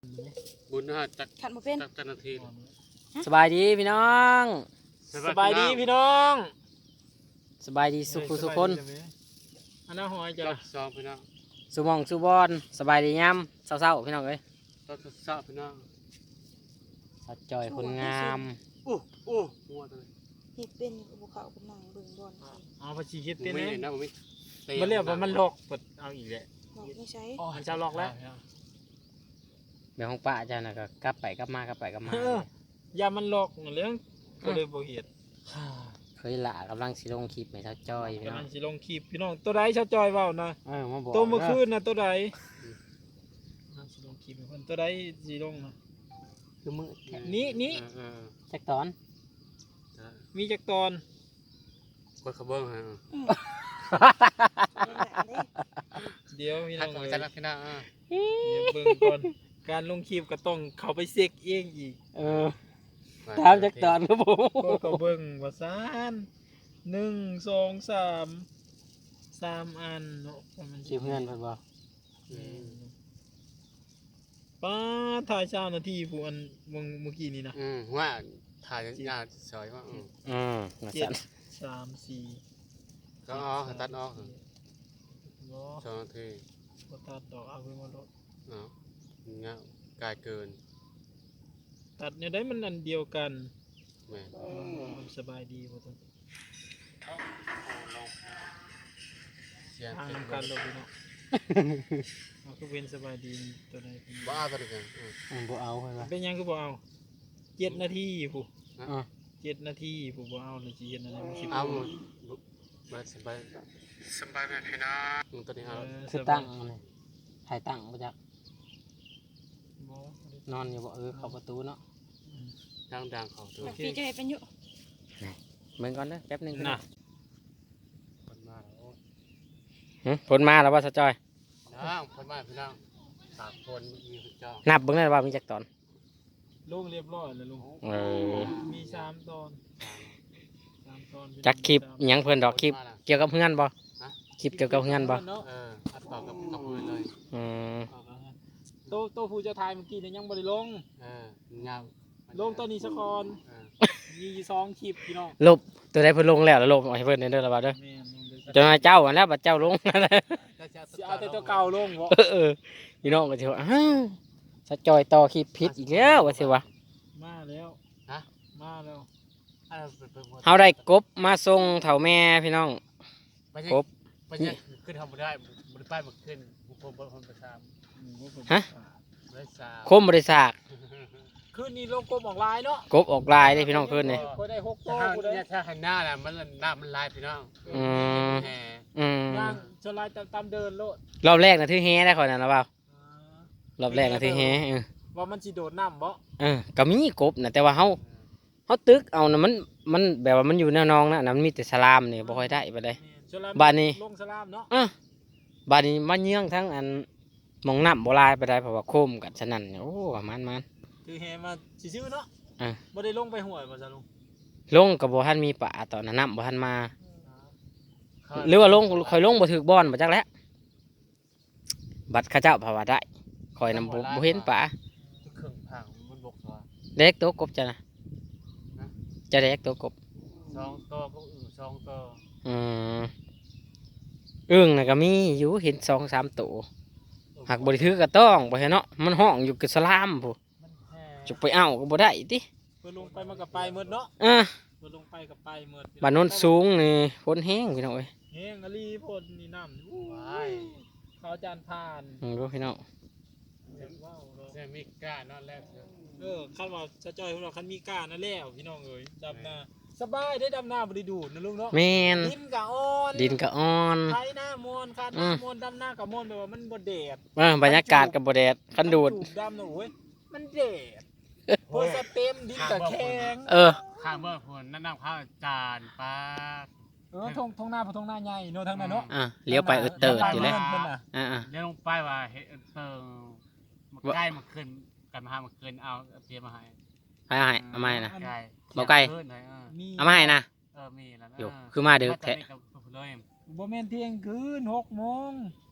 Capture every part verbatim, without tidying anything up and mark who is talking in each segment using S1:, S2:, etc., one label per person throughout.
S1: บุญนะฮะจัก
S2: ขันมาเป็น
S1: จักจันที
S3: สบายดีพี่น้อง
S4: สบายดีพี่น้อง
S3: สบายดีสุขสุขคน
S4: อันนั้นหอยจ้ะ
S1: ซองพี่น้อง
S3: สุมองสุบอนสบายดีย้ำเศร้าๆพี่น้องเอ้ย
S1: ต้นเศร้าพี่น้อง
S3: สัดจอยคนงาม
S1: อู้อู้มัวเลย
S2: เห็ดเป็นภูเขาเป็นนางเบิ่งบอล
S4: เอาภาษีคิดเต้น
S1: นะผม
S4: มันเรียกว่ามันหลอกเปิดเอาอีกแหละ
S2: ไม่ใช่
S4: อ๋อมันจะหลอกแล้ว
S3: เดี๋ยวของป้าอาจารย์น่ะก็กลับไปกลับมากลับไปกลับม
S4: ายามันหลอกเรื่องก็เลยบ่เห็ด
S3: เคยละกำลังสิลงคลิปให้เช้าจอยพี่น้อง
S4: กำลังสิลงคลิปพี่น้องตัวใดเช้าจอยเว้านะ
S3: เออมาบอก
S4: ตัวเมื่อคืนนะตัวใดสิลงคลิปเพิ่นตัวใดสิลงนะ
S3: คือมือ
S4: นี้นี้
S3: จักตอน
S4: มีจักตอน
S1: กดขบวนฮะ
S4: เดี๋ยวพี่น้อง
S1: เลยจันพี่น้อง
S4: เดี๋ยวเบิ่งก่อนการลงคลิปก็ต้องเข้าไปเช็คเองอีก
S3: เออตามจักตอนครับผม
S4: ก็เขาเบิ่งว่าซานหนึ่งสองสามสามอันเนาะ
S3: มันสิเพื่อนเพิ่นบ่
S4: ป้าถ่ายเช้านาทีผู้อันเมื่อกี้นี้นะ
S1: อืมว่าถ่ายงานสวยว่า
S3: อืม
S4: เจ็ดสามสี่
S1: ก็อ๋อตัดออกสองนาที
S4: ก็ตัดดอกเอาไปมาลด
S1: เนาะเงาไกลเกิน
S4: ตัดเนี่ยได้มันอันเดียวกัน
S1: แม่
S4: สบายดีบ่ต้องทางนำการลงเนาะเอาคือเป็นสบายดีตัวใด
S1: บ่เอาตัวเดียว
S3: อืมบ่เอาเพิ่นว่า
S4: เป็นยังคือบ่เอาเจ็ดนาทีผู้เจ็ดนาทีผู้บ่เอาเลยสิเฮ็ดอะไรมันสิ
S1: เอาบ่สบายสบายแม่พี่น้องตัวนี้เอา
S3: คือตั้งนี่ถ่ายตั้งบ่จักนอนอยู่บ่เออเข้าประตูเนาะ
S1: ดังๆเขาตัว
S2: พี่จะให้เป็นอยู่
S3: เบิ่งก่อนเด้อแป๊บนึง
S4: นะ
S1: คนมาแล้ว
S3: หึผลมาแล้วว่าซะจอย
S1: น้องคนมาพี่น้องสามคนมีคุณเจ้า
S3: นับเบิ่งได้ว่ามีจักตอน
S4: ลงเรียบร้อยแล้วลุง
S3: เออ
S4: มีสามตอนสามตอน
S3: จักคลิปหยังเพิ่นดอกคลิปเกี่ยวกับเฮือนบ่คลิปเกี่ยวกับเฮือนบ่
S1: เอออัดต่อกับกับมือเลย
S3: อืม
S4: โตโตผู้เจ้าทายเมื่อกี้เนี่ยยังบ่ได้ลง
S1: เออเงา
S4: ลงตอนนี้สักคนมีสองคลิปพี่น้อง
S3: ลบตัวใดเพิ่นลงแล้วแล้วลบเอาให้เพิ่นเด้อล่ะบ่เด้อจนเจ้าอันแล้วบัดเจ้าลง
S4: เอาแต่ตัวเก่าลงบ่
S3: เออพี่น้องก็สิว่าอ้าวซะจอยต่อคลิปผิดอีกแล้วว่าสิวะ
S4: มาแล้วฮะมาแล้ว
S3: เฮาได้กบมาส่งเฒ่าแม่พี่น้องกบ
S1: ไปเนี่ยขึ้นทำบ่ได้บ่ได้ป้ายบ่ขึ้นบ่บ่บ่ประชาม
S3: ฮะคมบ่ได้ซาก
S4: คืนนี้ลงกบออกลายเนาะ
S3: กบออกลายได้พี่น้องคืนนี้
S4: ก็ได้หกตัวกูได้
S1: ถ้าหันหน้าน่ะมันหน้ามันลายพี่น้อง
S3: อืมอืม
S4: ย่างจะลายตามเดินโลด
S3: รอบแรกน่ะถือแฮได้ข่อยนั่นล่ะเปล่ารอบแรกน่ะถือแฮเออ
S4: ว่ามันสิโดดน้ำบ่
S3: เออก็มีกบน่ะแต่ว่าเฮาเฮาตึกเอาน่ะมันมันแบบว่ามันอยู่แนวนองน่ะมันมีแต่สลามนี่บ่ค่อยได้ปานใดบ้านนี้
S4: ลงสลามเนาะ
S3: เออบ้านนี้มาเยื้องทั้งอันมองน้ำบ่ลายปานใดเพราะว่าโคมกันฉะนั้นโอ้มันมัน
S4: คือแฮมาซื่อๆเนาะอ่ะบ่ได้ลงไปห้วยบ่ซะลุง
S3: ลงก็บ่ทันมีป่าตอนนั้นน้ำบ่ทันมาหรือว่าลงค่อยลงบ่ถึกบ่อนบ่จักแล้วบัดเขาเจ้าภาวะได้ค่อยนำบ่เห็นป่า
S1: เครื่องพังมันบกซะ
S3: เด็กตัวกบจ้ะนะจะเด็กตัวกบ
S1: สองตัวก็อึ่งสองตัว
S3: อืมอึ่งน่ะก็มีอยู่เห็นสองสามตัวหากบ่ได้ถือก็ต้องบ่เห็นเนาะมันห้องอยู่กับสลามพุจุไปเอาก็บ่ได้ติ
S4: เพิ่นลงไปมันก็ไปหมดเนาะ
S3: อ่ะ
S4: เพิ่นลงไปก็ไปหมด
S3: บ้านโน้นสูงนี่ฝนแห้งพี่น้องเอ้ย
S4: แห้งอลีฝนนี่น้ำอู้ยเขาจานผ่าน
S3: อือพี่น้อง
S1: ว้าวแซ่มีก้านอนแล้ว
S4: เออคันว่าจะจ้อยของเราคันมีก้านั่นแล้วพี่น้องเอ้ยดำนาสบายได้ดำนาบ่ได้ดูดนะลุงเนาะ
S3: แม่น
S4: ดินก็อ่อน
S3: ดินก็อ่อน
S4: ไถหน้ามวนคาดหน้ามวนดำนาก็มวนแบบว่ามันบ่แดด
S3: เออบรรยากาศก็บ่แดดคันดูด
S4: ดำน่ะโอ้ยมันแดดเพิ่นสเต็มดินก็แข็ง
S3: เออ
S1: ข้างเบิ่งพุ่นนั่นน้ำข้าวจานปา
S4: เออทงทงหน้าบ่ทงหน้าใหญ่เนาะทางนั้นเนาะ
S3: อ่ะเลี้ยวไปเออเติร์ดอยู่เลย
S1: อ่าๆเลี้ยวลงไปว่าเฮ็ดเติงมันใกล้มันขึ้นกันมาหามันขึ้นเอาเตรียมมาให้
S3: ให้ให้เอามาให้นะ
S1: บ่
S3: ไกลเอามาให้นะ
S1: เออมีแล้วนะ
S3: อยู่คือมาเด้อแท้
S4: บ่แม่นเที่ยงคืนหกโมง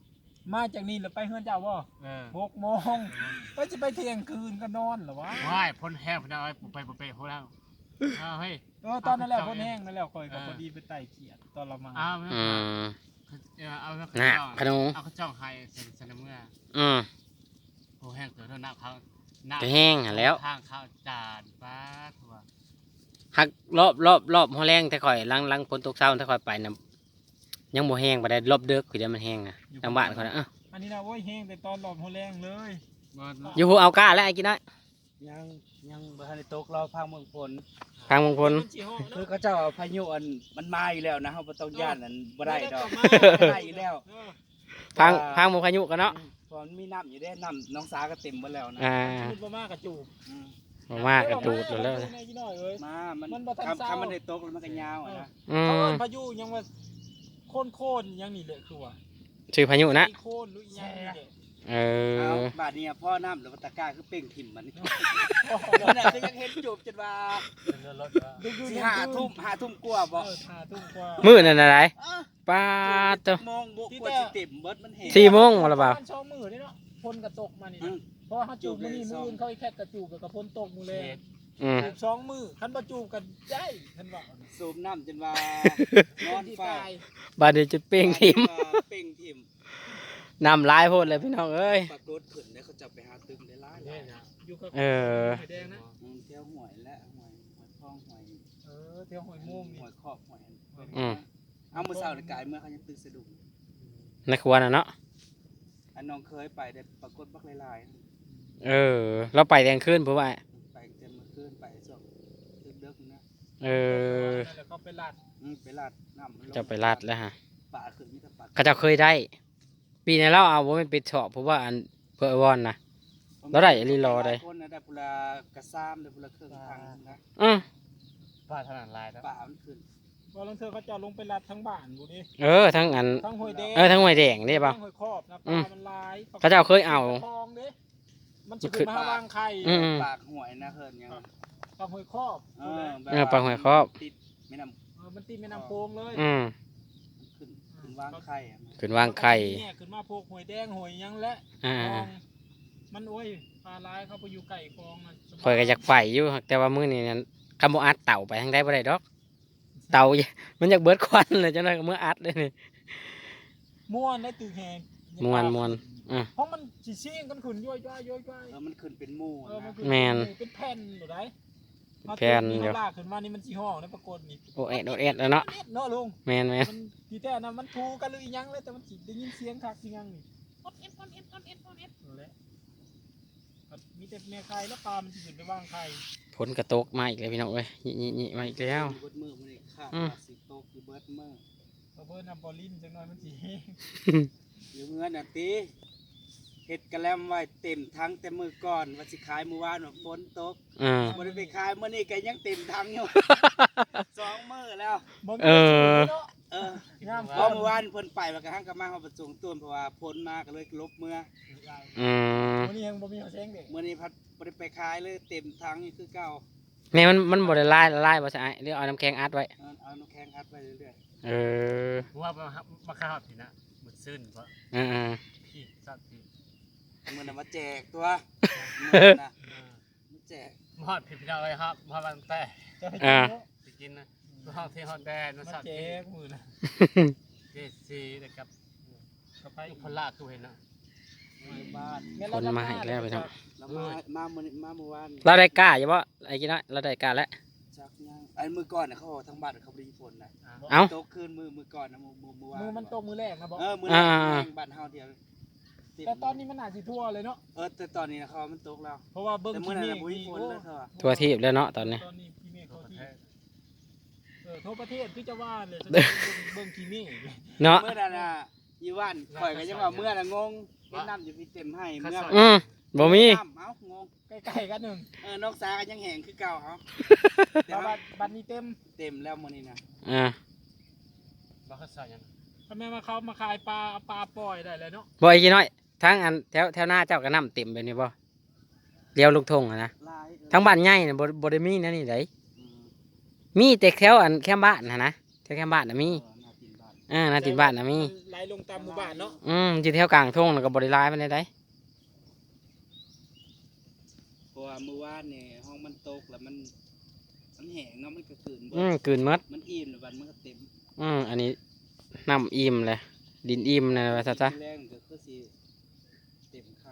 S4: มาจากนี่แล้วไปเฮือนเจ้าบ่
S1: เออ
S4: หกโมงก็จะไปเที่ยงคืนก็นอนเหรอวะ
S1: ว่ายพ่นแห้งพ่นเอาไว้ไปไปไปพวกเราเอาเฮ้ย
S4: เออตอนนั้นแหละพ่นแห้งนั่นแหละคอยกับพอดีไปไต่เขียดตอนเรามา
S1: เอา
S3: อืม
S1: เอา
S3: น่ะพะนุ
S1: เอาข้าวจ้องให้เสร็จเสร็จเมื่อ
S3: อืม
S1: โอ้แห้งเกิดเท่าน้ำเขาน้
S3: จะแห้งหั่นแล้ว
S1: ข้างข้าวจานป้าถั่ว
S3: หักรอบรอบรอบหัวแรงแต่ข่อยหลังหลังฝนตกเช้าแต่ข่อยไปน่ะยังบ่แห้งบ่ได้รอบเดึกคือเดี๋ยวมันแห้งนะทางบ้านเขาน่ะเอ้า
S4: อันนี้นะโว้ยแห้งแต่ตอนหลอมหัวแรงเลย
S1: บ่
S3: อยู่ผู้เอาก้าแล้วไอ้กินน้อย
S5: ยังยังบ่ทันได้ตกรอพังเมืองฝน
S3: ทางมงคล
S4: มันสิฮ้อ
S5: คือ
S4: เนาะ
S5: เขาเจ้าเอาพายุอันมันมาอยู่แล้วนะเฮาบ่ต้องย่านอันบ่ได้ดอก
S4: มา
S5: ได้อยู่แล้ว
S4: เออ
S3: ทางทางมงพายุกันเนาะ
S5: เพราะมันมีน้ำอยู่เด้น้ำน้องสาก็เต็มหมดแล้วนะ
S3: อ่า
S4: พูดบ่มากกระจูบ
S5: อืม
S3: บ่มากกระจูดแล้ว
S4: ในกี่น้อยเอ้ย
S5: มามัน
S4: มันบ่ทัน
S5: คำ
S4: เศร้า
S5: คำมันได้ตกแล้วมันก็ยาวอะนะ
S3: อื
S4: เขา
S3: ม
S4: เอิ้นพายุยังว่าโค่นโค่นๆยังนี่แหละคือว่า
S3: ชื่อพายุนะ
S4: โค่นหรืออีหยังนี่แหละ
S3: เอ
S5: เอา
S3: อ
S5: บาดนี้พ่อน้ำหรือว่าตะกร้าคือเป่งถิ่มมันนี่
S4: โอ้โห
S5: มันน่ะจะยังเห็นจูบจนว่า
S1: เรือรถ
S5: สิห้าทุ่มห้าทุ่มกว่าบ่
S4: เออห้าทุ่มกว่า
S3: มื้อนั่นอะไร
S5: อ้า
S3: ป้าดตัว
S5: โมงบ่กว่าสิเต็มเบิดมันเห็น
S3: สี่โมงบ่ล่ะบ่าว
S4: มันช่องมือนี่เนาะพ่นกระตกมานี่
S5: อื
S4: นะ
S5: ม
S4: เพราะเขาจูบมือนี่มืออื่นเขาอีแค่กระจูบกับกระพ่นตกมือเลย
S3: อืม
S4: จูบสองมือคันบ่จูบกันใจคันว่า
S5: สูบน้ำจนว่านอน
S4: ที่
S5: ฟ้า
S4: ตาย
S3: บาดนี้จะเป้งทิม
S5: เป่งถิ่ม
S3: น้ำลายโพดเลยพี่น้องเอ้ย
S5: ปรากฏขึ้นแล้วเขาจะไปหาตึมได้หลายหลาย
S4: อยู่กับ
S3: เออ
S4: หอยแดงนะ
S5: อืมเที่ยวหวยและหวยหวยทองหวย
S4: เออเที่ยวหอยม่วง
S5: ห
S4: นี่
S5: วยครอบหวยอัน
S3: อืม
S5: เอามือเสาร์กายเมื่อเขายังตื่นสะดุ้ง
S3: ในครัวน่ะเนาะ
S5: อันน้องเคยไปได้ปรากฏบักหลาย
S3: เออ เราไปแดงขึ้นเพราะว่า
S5: ๆไปเต็มเมื่อคืนไปช่วงดึกๆนะ
S3: เออ
S4: แล้วก็ไปลาด
S5: อืมไปลาดน้ำมันลง
S3: จะไปลาดแล้วฮะ
S5: ป่าขึ้นมีแต่ป่า
S3: เขาเจะเคยได้ ปีนี้เราเอาว่ามันเป็นเฉาะเพราะว่าอันเพื่อวอนนะ แล้วได้อีหลีรอได้
S5: คนนะได้ปุระกระซ้ำได้ปุระเครื่องทางนะ
S3: อืม
S1: ป้าถนัดลายแล้ว
S5: ป่ามันขึ้น
S4: พอลังเธอเขาจะลงไปลาดทั้งบ้านบุนี่
S3: เออทั้งอัน
S4: ทั้งหอยแดง
S3: เออทั้งหวยแดงนี่ป่ะ
S4: ทั้งหอยครอบนะป
S3: อื
S4: ลาม มันลาย
S3: เขาเจ้าเคยเอา
S4: ทองเด้มันจะขึ้นมาหาวางไข่
S3: อืม
S5: ปากหวยนะเฮิรนยัง
S4: ปลาหอยครอบ
S5: เออแบบ
S3: เออปลาหวยครอบ
S5: ติดไม่น
S4: เออมันตีแม่น้ำโพงเลย
S3: อืม
S5: ำขึ้นขึ้นวางไข่อะ
S3: ขึ้นวางไข่
S4: เนี่ยขึ้นมาพวกหอยแดงหอยหยังและ
S3: อ่า
S4: คลองมันโอ้ยปลาลายเขาไปอยู่ไก่คลองน่ะสบ
S3: คอยก็อยากไปอยู่แต่ว่ามื้อนี้นั้นคำบ่อัดเต่าไปทางใดบ่ได้ดอก เต่า มันอยากเบิดควันเลยจังได๋ก็มื้ออัดเลยนี่
S4: ม่วนได้ตื่นแหง
S3: ม่วนม่วน อืม
S4: เพราะมันสิเชี่ยงกันขึ้นย่อยๆย่อยๆ
S5: เออมันขึ้นเป็นหมู่
S4: เออมัน
S5: นะ
S4: คือ
S3: แม่น
S4: เป็นแผ่นหรือไร
S3: แผ่น
S4: เดี
S3: เดี๋
S4: ย
S3: ยว ว
S4: ลากขึ้นมานี่มันสีห้องนะปรากฏนี่
S3: โอเอ็ดโอเอ็ดแล้วเนาะ
S4: เนาะลุง
S3: แม่นแม่น
S4: มันทีแต่นะมันทูกันหรืออีหยังเลยแต่มันสิได้ยินเสียงคักเสียงนี่อดเอ็ดอดเอ็ดอดเอ็ดอดเอ็ดนั่นแหละมีแต่แม่ไข่แล้วปลามันสิขึ้นไปวางไข่
S3: ฝนกระตกมาอีกแล้วพี่น้องเอ้ยนี่ๆๆมาอีกแล้ว
S5: เบิดมือมันนี่ค่ะ
S3: อืม
S5: สิโตกอยู่เบิดมือ
S4: เพราะเพิ่นนำบอลลินจังหน่อยมันสิแห้ง
S5: อยู่เงินน่ะติเฮ็ดกระแลมไว้เต็มทั้งแต่มือก่อนว่าสิขายมื้อวานว่าฝนตก
S3: อ่า
S5: บ่ได้ไปขายมื้อนี้ก็ยังเต็มทั้งอยู่ สองมื้อแล้ว
S4: บิ่ง
S3: เออ
S4: เนาะ
S5: เออ
S4: งาม
S5: เพราะเมื่อวานเพิ่นไปแล้วก็หังกลับมาเฮาประสงค์ต้นเพราะว่าฝนมาก็เลยลบเมื่อ
S3: อืม
S4: วันนี้ยังบ่มีหัวแสงเด็ก
S5: มื้อนี้พัดบ่ได้ไปขายเลยเต็มทั้งอยู่คือเก่า
S3: แม่มันมันบ่ได้ลายละลายบ่ใช่หรือเอาน้ำแข็งอัดไว้
S5: เออเอาน้ำแข็งอัดไว้เรื่อย
S3: เออ
S1: เพราะว่ามามาข้าวผิดนะหมดซึ้นเพราะ
S3: อ่า
S1: พี่สัตว์พี่
S5: ๆมื้อนั้นมาแจกตัวมื้อนั้นน่ะมาแจก
S1: มอดผิดพี่น้องเลยครับมอดมันแต่
S4: จะให้
S3: อ่า
S4: กินเนาะ
S1: ไปกินนะห้องที่ห้องแดน
S4: มา
S1: สัตว์
S4: แจ
S1: ที่
S4: กมือนะ
S1: เจซีนะครับ
S4: กระไป
S1: พลากูเห็นนะ
S5: ในบ้าน
S3: ฝนมาอีกแล้วพี่น้อง
S5: แล้วมามามื้อนี้มาเมื่อวาน
S3: เราได้กล้าอยู่บ่ไอ้กินน้อยเราได้กล้าแล้ว
S5: จักยังอันมื้อก่อนน่ะเขาบอกทั้งบ้านเขาบ่ได้มีฝนน่ะ
S3: เอ้า
S5: ตกคืนมื้อมื้อก่อนน่ะมื้อมื้อมื้อวาน
S4: มือมันตกมือแรกนะบอก
S5: เออมื้อ
S3: อ่า
S5: แรกบ้านเฮาเดียว
S4: แต่ตอนนี้มันอาจสิทั่วเลยเนาะ
S5: เออแต่ตอนนี้นะเขาว่ามันตกแล้ว
S4: เพราะว่าเบิ้ง
S5: แต่
S4: ที
S5: มื้อนั้น
S4: เม
S5: น่ะ
S4: ฆ
S5: บ่มี
S4: นี่
S5: ฝน
S4: โอ้
S5: เลยเขาว่า
S3: ทั่วทีบแล้วเนาะตอนนี้
S4: ตอนนี้ทีเมฆ
S1: ตัว
S4: เขา
S1: ประ
S4: ที่
S1: เทศ
S4: เออทั่วประเทศคือจะว่าเลยเบิ้งทีเมฆ
S3: เนาะ
S5: เมื่อนั้นน่ะอยู่บ้านข่อยก็ยังว่าเมื่อน่ะงงเฮ็ดน้ำอยู่พี่เต็มให้เมื่อ
S3: อืมบ่มี
S5: น้ำเอ้างง
S4: ใกล้ๆกันหนึ่ง
S5: เออนอกสาก็ยังแห้งคือเก่าเอาแต่
S4: แต่
S5: ว่า
S4: บัดบัดนี้เต็ม
S5: เต็มแล้วมื้อนี้นะ
S3: อ่า
S1: บ้าข้าวสารยัง
S4: ทำไมมาเขามาขายปลาเอาปลาปล่อยได้เลยเนาะ
S3: บ่ไอ้กินน้อยทั้งอันแถวแถวหน้าเจ้าก็น้ำเต็มแบบนี้บ่เลี้ยวลูกทงอะนะ
S5: ลายเออ
S3: ทั้งบ้านใหญ่น่ะบ่บ่ได้มีแนวนี้ได
S5: อืม
S3: มีแต่แถวอันแคมบ้านน่ะนะแถวแคมบ้านน่ะมี
S5: เออน่ากินบ้าน
S3: อ่านาติบ้านน่ะมี
S4: มันไหลลงตามหมู่บ้านเนาะ
S3: อืมอยู่แถวกลางทุ่งแล้วก็บ่ได้หลายปานใดได้
S5: เพราะว่าเมื่อวานนี่ห้องมันตกแล้วมันมันแห้งเนาะมันก็คืนเบิ
S3: อืม
S5: ด
S3: กลืนหมด
S5: มันอิ่มแล้วบัดมันก็เต็ม
S3: อืมอันนี้น้ำอิ่มเลยดินอิ่มนะว่าซะจ้ะ
S5: แรงก็คือสิเต็มคัก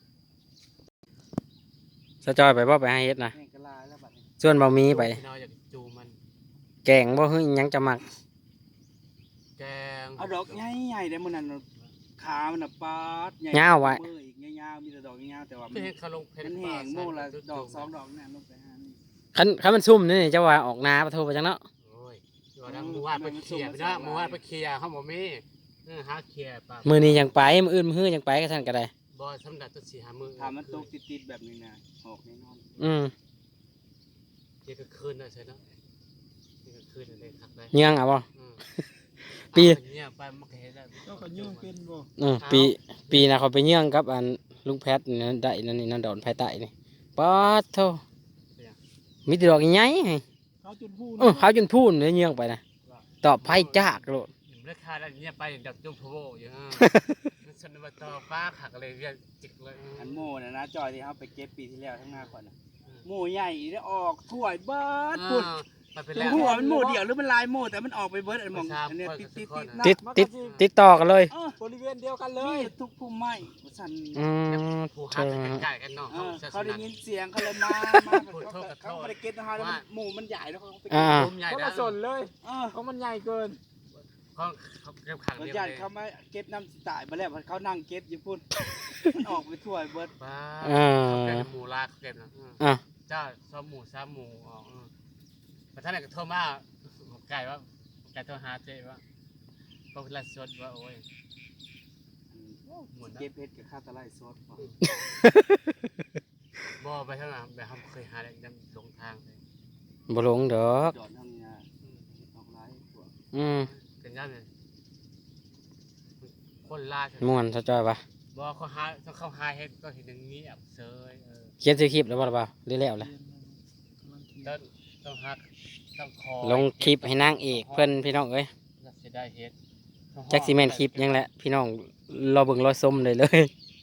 S3: สะจอยไปบ่ไปหาเฮ็ดนะ
S5: แห้งก็ลายแล้วบัดนี้
S3: ส่วนบ่มีไป
S1: พี่น้อยอยากจูมัน
S3: แกงบ่ฮึหยังจะมัก
S1: แกง
S5: เอาดอกใหญ่ๆได้มื้อนั้นน่ะขามันน่ะปาดใหญ่
S3: ยาวไว้
S5: มืออีกยาวๆมีแต่ดอกยาวๆแต่ว่ามั
S1: ไม่
S5: น
S1: เห็นเขาลงเพชร
S5: มันแห้งโมละดอกสองดอกนั่นลงไปหานี่
S3: คันคันมันซุ่มนี่จะว่าออกนาปะโทไปจังเนาะ
S1: โอ้ยว่าดังหมู่บ้านไปเคลียร์ไปนะหมู่บ้านไปเคลียร์เขาบอกมีเออหาเคลียร์ปะ
S3: มื้อนี้ยังไปมื้ออื่นมื้อฮื้อยังไปก็ท่านก็ได้
S1: บ่สำหรับตัวสี่หามือ
S5: ถ้ามันตกติดๆแบบนี้นะออกแน่นอน
S3: อืม
S1: เกี่ยวกับคืนน่ะใช่เนาะเกี่ยวกับคืนนั่นเลยครับได้
S3: เยื่องเอาบ่
S1: อืม
S3: ปี
S1: เอาเนี่ยไปมันก็เห็นแล้ว
S4: เจ้าก็ยุ่งเป็นบ่
S3: อืมปีปีน่ะเขาไปเยื่องกับอันลุงแพทย์นี่นะได้นั่นนี่นั่นดอนภายใต้นี่ป๊าดโทมีแต่ดอกใหญ่ๆให้
S4: เขาจนพูด
S3: เออเขาจนพูนเลยเยื่องไปนะตอบไผจากโลด
S1: ราคาแล้วเนี่ยไปดักจุ่มพะโวอยู่ฮะฉันมาต่อฟ้าขักเลยเรียกจิกเลย
S5: อันโม่น่ะนะจอยที่เขาไปเก็บปีที่แล้วทั้งหน้าก่อนน่ะโม่ใหญ่ได้ออกถ้วยเบิดปุ่น
S1: มันเป็น
S5: ถึ
S1: แล้
S5: ง
S1: ว
S5: หัวมันโม่เดียวหรือมันลายโม่แต่มันออกไปเบิดอันมอง
S1: ประชา
S5: อันเนี้ย
S1: ชน
S5: ติดติด
S1: ประ
S5: ติด
S1: ชาชน
S3: ติดติดติดต่อกันเลย
S5: เออบ
S4: ริเวณเดียวกันเล
S5: มี
S4: ย
S5: ทุกพุ่มไม้สั่น
S3: อืม
S1: ผู้
S3: เธ
S1: หัก
S3: อ
S1: กันใกล้กันเนาะ
S5: เออ
S1: เขา
S5: เขาได้ยินเสียงเขาเลยมา มาเขาเขาไม่ได้เก็ตนะคะแล้วมันหมู่มันใหญ่แล้วเขาไปเก็
S3: อ่า
S5: ต
S1: กลุ่มใหญ่
S4: เขา
S1: นะ
S4: มาสนเลย
S5: เออ
S4: เพราะมันใหญ่เกิน
S1: เขาเขาเก็บขัง
S5: เขา
S1: เดียว
S5: ญา
S1: เล
S5: ติ
S1: ย
S5: เขามาเก็บน้ำตายมาแล้วเขานั่งเก็บอยู่พุ่นมันออกไปทั่วเบิด
S1: บ้า
S3: อ่า
S1: เขาเก็บหมูลาเขาเก็บนะ
S3: อ่ะ
S1: เจ้าซ้อมหมูซ้ำหมูออกประธานก็โทรมาไก่ว่าไก่โทรหาเจ๊ว่าก็เวลาสดว่าโอ้ยหมุน
S5: เก็บเพชรกับข้าวตะไลซอสพอ
S1: บ่ไปทางนั้นแบบเขาเคยหาอะไรยังหลงทางเลย
S3: บ่หลงดอก
S5: จอดทางเนี้ยออกไลน์พวก
S3: อืม
S1: เป็นยังไงคนลา
S3: ม่วนซะจอยปะ
S1: บ่เขาหาต้องเข้าหาเฮ็ดก็เห็นอย่างนี้อ่ะเซยเออ
S3: เขียนซื้อคลิปแล้วบ่ล่ะเปล่าหรือแล้วล่ะ
S1: ต้องต้องหักต้องคอ
S3: ลงคลิปให้นางเอกเพิ่นพี่น้องเอ้ย
S1: จะได้เฮ็ด
S3: จักสิแม่นคลิปหยังแหละพี่น้องรอเบิ่งรอชมได้เลย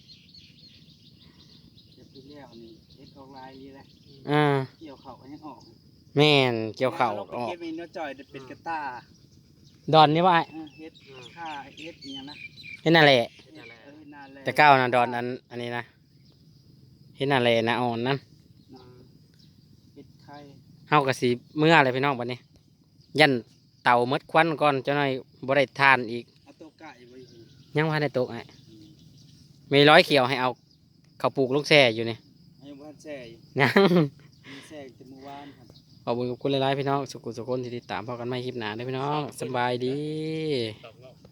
S5: เก็บที่แล้วนี่เฮ็ดออกไลน์นี่แหละ
S3: อ่า
S5: เกี่ยวเข่าก็ยังออก
S3: แม่นเกี่ยวข้าว
S5: แล้
S3: อ
S5: ไป
S3: อก
S5: เก็บมีเนื้อจอยเป็นกระตา
S3: ดอนนี่ว่า
S5: เออเฮ็ดค่าเฮ็ดอีหยังนะ
S3: เฮ็ดนั่นแหละ
S5: เฮ็ดเออนานแล้ว
S3: แต่ก้าวนะดอนอันอันนี้นะเฮ็ดนั่นแหละนะอ่อนนั่น
S5: เฮ็ดไข่
S3: เฮาก็สิเมื่ออะไรพี่น้องบัดนี้ ยันเตาหมดควันก่อนเจ้าหน่อยบ่ได้ทานอีก
S5: เอาตัวไก่ไว้อยู่
S3: ยังบ่ทันได้ตกไอ้มีร้อยเขียวให้เอาข้าวปลูกลูกแซ่อยู่นี่
S5: ยังบ่ทันแช่อยู่
S3: ยัง
S5: มีแช่แต่เมื่อวานครับ
S3: ขอบคุณขอบคุณหลายๆพี่น้องสุขุสุขคนที่ติดตามพอกันไม่คลิปหนาเด้อพี่น้องสำบายดี
S1: ตกเนาะ